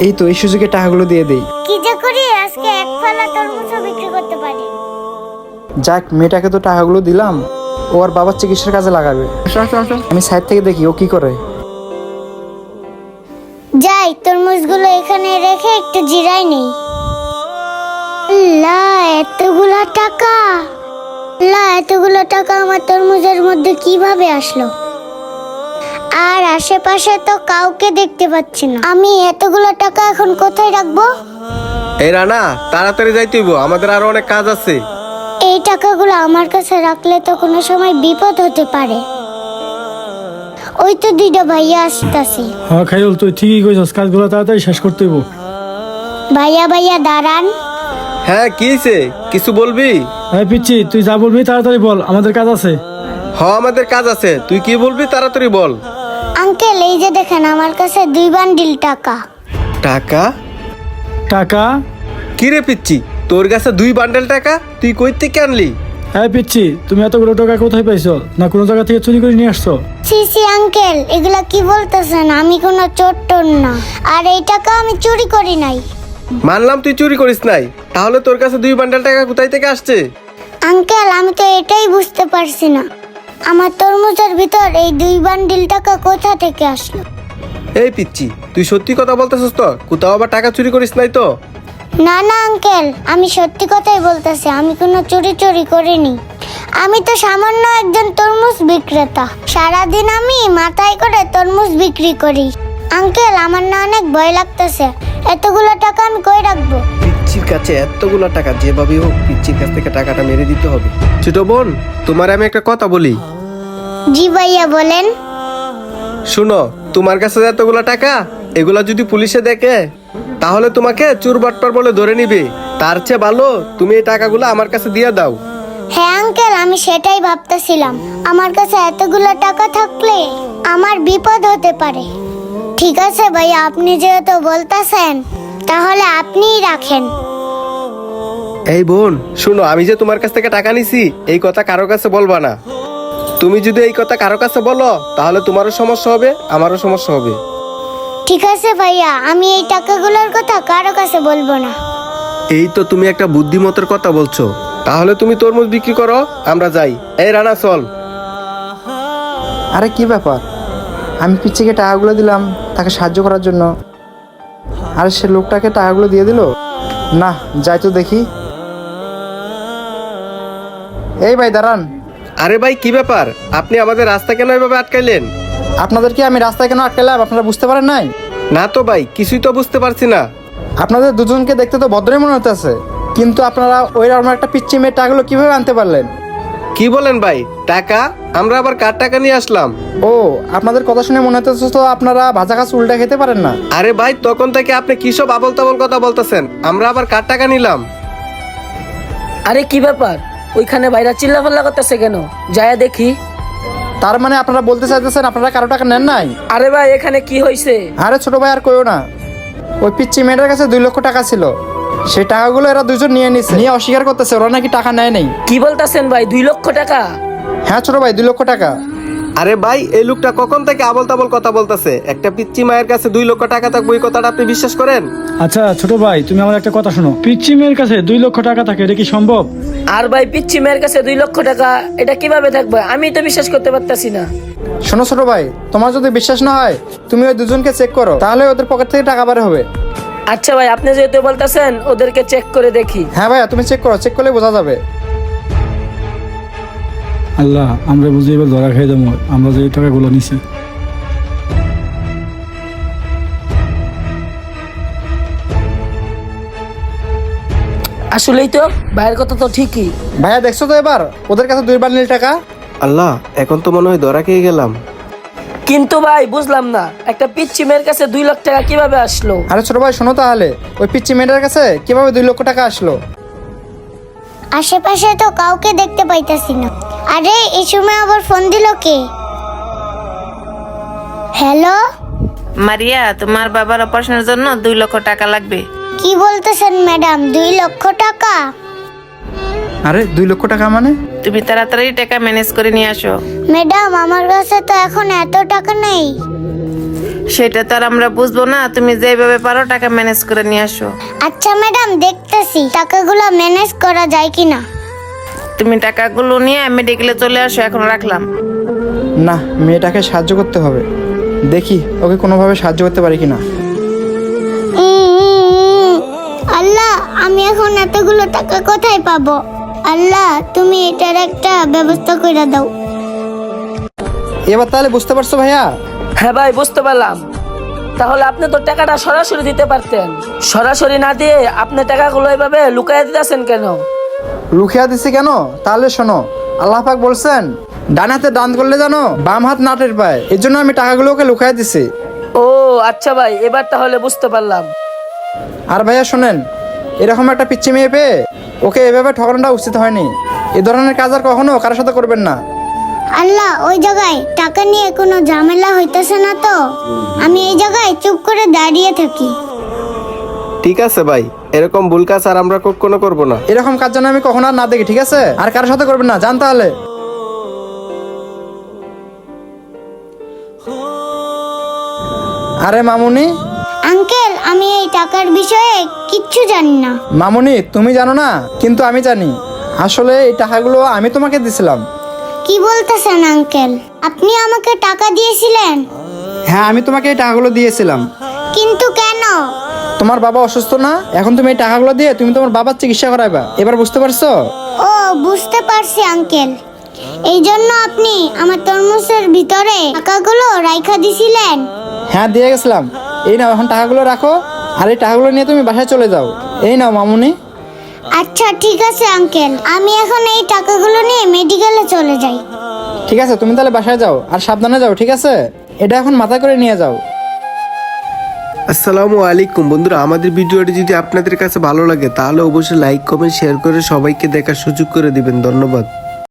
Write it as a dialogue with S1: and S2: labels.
S1: এই তো এই সুযোগে টাকাগুলো দিয়ে দেই।
S2: কি যে করি, আজকে এক ফালা তরমুজও বিক্রি করতে পারি।
S1: যাক, মেয়েটাকে তো টাকাগুলো দিলাম, ও আর বাবার চিকিৎসার কাজে লাগাবে। আমি সাইড থেকে দেখি ও কি করে।
S2: যাই, তরমুজগুলো এখানে রেখে একটু জিরাই নেই। এতগুলো টাকা! এতগুলো টাকা আমার তরমুজের মধ্যে কিভাবে আসলো? আর আশেপাশে তো কাউকে দেখতে পাচ্ছি না। আমি এতগুলো টাকা এখন কোথায় রাখবো?
S3: এই রানা, তাড়াতাড়ি যাইতে হইব, আমাদের আরো অনেক কাজ আছে।
S2: এই টাকাগুলো আমার কাছে রাখলে তো কোনো সময় বিপদ হতে পারে। ওই তো দুইটা ভাইয়া আসতেছে।
S4: হ্যাঁ খাইল, তুই ঠিকই কইছস, কাজগুলো তাড়াতাড়ি শেষ করতে হইব।
S2: ভাইয়া দাঁড়ান।
S3: হ্যাঁ, কি হইছে? কিছু বলবি?
S4: হ্যাঁ পিচ্ছি, তুই যা বলবি তাড়াতাড়ি বল, আমাদের কাজ আছে।
S3: আমাদের কাজ আছে, তুই কি বলবি তাড়াতাড়ি বল।
S2: আঙ্কেল, এই যে দেখেন, আমার কাছে 2 বান্ডিল টাকা।
S3: টাকা?
S4: টাকা?
S3: কি রে পিচ্ছি, তোর কাছে 2 বান্ডেল টাকা? তুই কই থেকে আনলি?
S4: হ্যাঁ পিচ্ছি, তুমি এতগুলো টাকা কোথায় পাইছো? না কোনো জায়গা থেকে চুরি করে নিয়ে আসছো?
S2: সি আঙ্কেল, এগুলা কি বলতেছেন? আমি কোনো চোর টোর না, আর এই টাকা আমি চুরি করি নাই।
S3: মানলাম তুই চুরি করিস নাই, তাহলে তোর কাছে 2 বান্ডেল টাকা কোথায় থেকে আসছে?
S2: আঙ্কেল, আমি তো এটাই বুঝতে পারছি না, আমার তরমুজের ভিতর এই 2 বান্ডিল টাকা কোথা থেকে আসলো।
S3: এই পিচ্ছি, তুই সত্যি কথা বলতেছিস তো? কোথাও আবার টাকা চুরি করিস নাই তো?
S2: না আঙ্কেল, আমি সত্যি কথাই বলতেছি, আমি কোনো চুরি করিনি। আমি তো সামান্য একজন তরমুজ বিক্রেতা, সারাদিন আমি মাথায় করে তরমুজ বিক্রি করি। আঙ্কেল, আমার না অনেক ভয় লাগতেছে, এতগুলো টাকা আমি কই রাখবো?
S3: পিচ্ছির কাছে এতগুলো টাকা, যেভাবে হোক পিচ্ছির কাছ থেকে টাকাটা মেরে দিতে হবে। ছোট বোন, তোমার আমি একটা কথা বলি।
S2: জি ভাইয়া, বলেন।
S3: শুনো, তোমার কাছে এতগুলো টাকা, এগুলা যদি পুলিশে দেখে তাহলে তোমাকে চোর বাটপার বলে ধরে নিবে। তার চেয়ে ভালো তুমি এই টাকাগুলো আমার কাছে দিয়ে দাও।
S2: হ্যাঁ আঙ্কেল, আমি সেটাই ভাবতেছিলাম, আমার কাছে এতগুলো টাকা থাকলে আমার বিপদ হতে পারে। ঠিক আছে ভাইয়া, আপনি যেহেতু বলতেছেন, তাহলে আপনিই রাখেন।
S3: এই বোন শুনো, আমি যে তোমার কাছ থেকে টাকা নিছি এই কথা কারো কাছে বলবা না। তুমি যদি এই কথা কারো কাছে বলো তাহলে তোমারও সমস্যা হবে, আমারও সমস্যা হবে।
S2: ঠিক আছে ভাইয়া, আমি এই টাকাগুলোর কথা কারো কাছে বলবো না।
S3: এই তো তুমি একটা বুদ্ধিমতের কথা বলছো। তাহলে তুমি তরমুজ বিক্রি করো, আমরা যাই। এই রানা চল।
S1: আরে কি ব্যাপার, আমি পিচ্ছিকে টাকাগুলো দিলাম তাকে সাহায্য করার জন্য, আর সে লোকটাকে টাকাগুলো দিয়ে দিল। না, যাই তো দেখি। এই ভাই দাঁড়ান।
S3: আরে ভাই, কি ব্যাপার? আপনি আমাদের রাস্তা কেন এভাবে আটকাইলেন?
S1: আপনাদেরকে আমি রাস্তায় কেন আটকালাম আপনারা বুঝতে পারেন নাই?
S3: না তো ভাই, কিছুই তো বুঝতে পারছি না।
S1: আপনাদের দুজনকে দেখতে তো ভদ্রই মনে হতেছে, কিন্তু আপনারা ওই রকম একটা পিচ্ছি মেয়ে টাকাগুলো কিভাবে আনতে পারলেন?
S3: কি বলেন ভাই? টাকা? আমরা আবার কার টাকা নিয়ে আসলাম?
S1: ও, আপনাদের কথা শুনে মনে হতেছে তো আপনারা ভাজা কাজ উল্টা খেতে পারেন না।
S3: আরে ভাই, তখন থেকে আপনি কি সব আবল তাবল কথা বলতেছেন? আমরা আবার কার টাকা নিলাম?
S5: আরে কি ব্যাপার, ওইখানে বাইরা চিল্লাফাল্লা করতেছে কেন? যায় দেখি।
S1: তার মানে আপনারা বলতে চাইতেছেন আপনারা কারো টাকা নেন নাই?
S5: আরে ভাই, এখানে কি হয়েছে?
S1: আরে ছোট ভাই, আর কইও না। ওই পিচ্ছি মেয়েটার কাছে 2 লক্ষ টাকা ছিল, সেই টাকাগুলো এরা দুজন নিয়ে নিছে, নিয়ে অস্বীকার করতেছে ওরা নাকি টাকা নেয় নাই।
S5: কি বলতেছেন ভাই, 2 লক্ষ টাকা?
S1: হ্যাঁ ছোট ভাই, 2 লক্ষ টাকা।
S3: আরে ভাই, এই লোকটা কখন থেকে আবল তাবল কথা বলতেছে? একটা পিচ্চি মায়ের কাছে 2 লক্ষ টাকা থাকবে, এই কথাটা আপনি বিশ্বাস করেন?
S4: আচ্ছা ছোট ভাই, তুমি আমার একটা কথা শোনো, পিচ্ছি মেয়ের কাছে 2 লক্ষ টাকা থাকে, এটা কি সম্ভব?
S5: আর ভাই, পিচ্ছি মেয়ের কাছে 2 লক্ষ টাকা এটা কিভাবে থাকবে? আমি তো বিশ্বাস করতে পারতাছি না।
S1: শোনো ছোট ভাই, তোমার যদি বিশ্বাস না হয় তুমি ওই দুজনকে চেক করো, তাহলে ওদের পকেট থেকে টাকা বের হবে।
S5: আচ্ছা ভাই, আপনি যেহেতু বলতেছেন, ওদেরকে চেক করে দেখি।
S1: হ্যাঁ ভাইয়া, তুমি চেক করো, চেক করলে বোঝা যাবে।
S4: আল্লাহ, আমরা বুঝি এবার ধরা খাই দেবো, আমরা যে টাকাগুলো নিছি।
S5: আসলেই তো ভাইয়ের কথা তো ঠিকই।
S1: ভাইয়া দেখছো তো এবার ওদের কাছে 2 বান্ডিল টাকা।
S3: আল্লাহ, এখন তো মনে হয় ধরা খেয়ে গেলাম।
S5: কিন্তু ভাই বুঝলাম না, একটা পিচ্ছি মেয়ের কাছে 2 লাখ টাকা কিভাবে আসলো?
S1: আরে ছোট ভাই শোনো, তাহলে ওই পিচ্ছি মেয়েটার কাছে কিভাবে 2 লক্ষ টাকা আসলো?
S2: আশেপাশে তো কাউকে দেখতে পাইতাছি না। আরে এই সময় আবার ফোন দিল কে? হ্যালো,
S6: মারিয়া, তোমার বাবার অপারেশনের জন্য 2 লক্ষ টাকা লাগবে।
S2: কি বলতেছেন ম্যাডাম? 2 লক্ষ টাকা?
S1: আরে 2 লক্ষ টাকা মানে?
S6: তুমি তাড়াতাড়ি টাকা ম্যানেজ করে নিয়ে আসো।
S2: ম্যাডাম, আমার কাছে তো এখন এত টাকা নেই।
S6: সেটা তো আর আমরা বুঝবো না, তুমি যেভাবে পারো টাকা ম্যানেজ করে নিয়ে আসো।
S2: আচ্ছা ম্যাডাম, দেখতেছি টাকাগুলো ম্যানেজ করা যায় কিনা।
S6: তুমি টাকাগুলো নিয়ে মেডিকেলে চলে আসো, এখন রাখলাম।
S1: না, মেয়েটাকে সাহায্য করতে হবে। দেখি ওকে কোনোভাবে সাহায্য করতে পারি কিনা।
S2: আল্লাহ, আমি এখন এতগুলো টাকা কোথায় পাবো? আল্লাহ, তুমি এটার একটা ব্যবস্থা করে দাও।
S1: এবার তাহলে বুঝতে পারছো ভাইয়া?
S5: হ্যাঁ ভাই, বুঝতে পারলাম। তাহলে আপনি তো টাকাটা সরাসরি দিতে পারতেন, সরাসরি না দিয়ে আপনি টাকাগুলো এভাবে লুকাইয়া দিতেছেন কেন?
S1: লুকিয়ে দিছি কেন? তাহলে শোনো, আল্লাহ পাক বলছেন ডান হাতে দান করলে জানো বাম হাত নাটের পায়, এর জন্য আমি টাকাগুলো ওকে লুকিয়ে দিছি।
S5: ও আচ্ছা ভাই, এবার তাহলে বুঝতে পারলাম।
S1: আর ভাইয়া শোনেন, এরকম একটা পিচ্ছি মেয়ে পেয়ে ওকে এভাবে ঠকানোটা উচিত হয়নি। এ ধরনের কাজ আর কখনো কারোর সাথে করবেন না।
S2: আল্লাহ, ওই জায়গায় টাকা নিয়ে কোনো ঝামেলা হইতেছে না তো? আমি এই জায়গায় চুপ করে দাঁড়িয়ে থাকি।
S3: ঠিক আছে ভাই, এরকম ভুল কাজ আর আমরা কখনো করবো না।
S1: এরকম কাজ যেন আমি কখনো আর না দেখি, ঠিক আছে? আর কারোর সাথে করবেন না, জান তাহলে। আরে মামুনি।
S2: আঙ্কেল, আমি এই টাকার বিষয়ে কিচ্ছু জানি না।
S1: মামুনি, তুমি জানো না, কিন্তু আমি জানি। আসলে এই টাকাগুলো আমি তোমাকে দিছিলাম।
S2: কি বলতেছেন আঙ্কেল? আপনি আমাকে টাকা দিয়েছিলেন?
S1: হ্যাঁ, আমি তোমাকে এই টাকাগুলো দিয়েছিলাম।
S2: কিন্তু কেন?
S1: তোমার বাবা অসুস্থ না? এখন তুমি এই টাকাগুলো দিয়ে তুমি তোমার বাবার চিকিৎসা করাইবা। এবার বুঝতে পারছো?
S2: ও, বুঝতে পারছি আঙ্কেল। এই জন্য আপনি আমার তরমুজের ভিতরে টাকাগুলো রাইখা দিছিলেন?
S1: হ্যাঁ, দিয়ে গেছিলাম। এই নাও, এখন টাকাগুলো রাখো, আর এই টাকাগুলো নিয়ে তুমি বাসায় চলে যাও। এই নাও মামুনি।
S2: আচ্ছা ঠিক আছে আঙ্কেল, আমি এখন এই টাকাগুলো নিয়ে মেডিকেলে চলে যাই।
S1: ঠিক আছে, তুমি তাহলে বাসায় যাও, আর সাবধানে যাও, ঠিক আছে? এটা এখন মাথায় করে নিয়ে যাও।
S3: আসসালামু আলাইকুম বন্ধুরা, আমাদের ভিডিওটি যদি আপনাদের কাছে ভালো লাগে তাহলে অবশ্যই লাইক কমেন্ট শেয়ার করে সবাইকে দেখার সুযোগ করে দিবেন। ধন্যবাদ।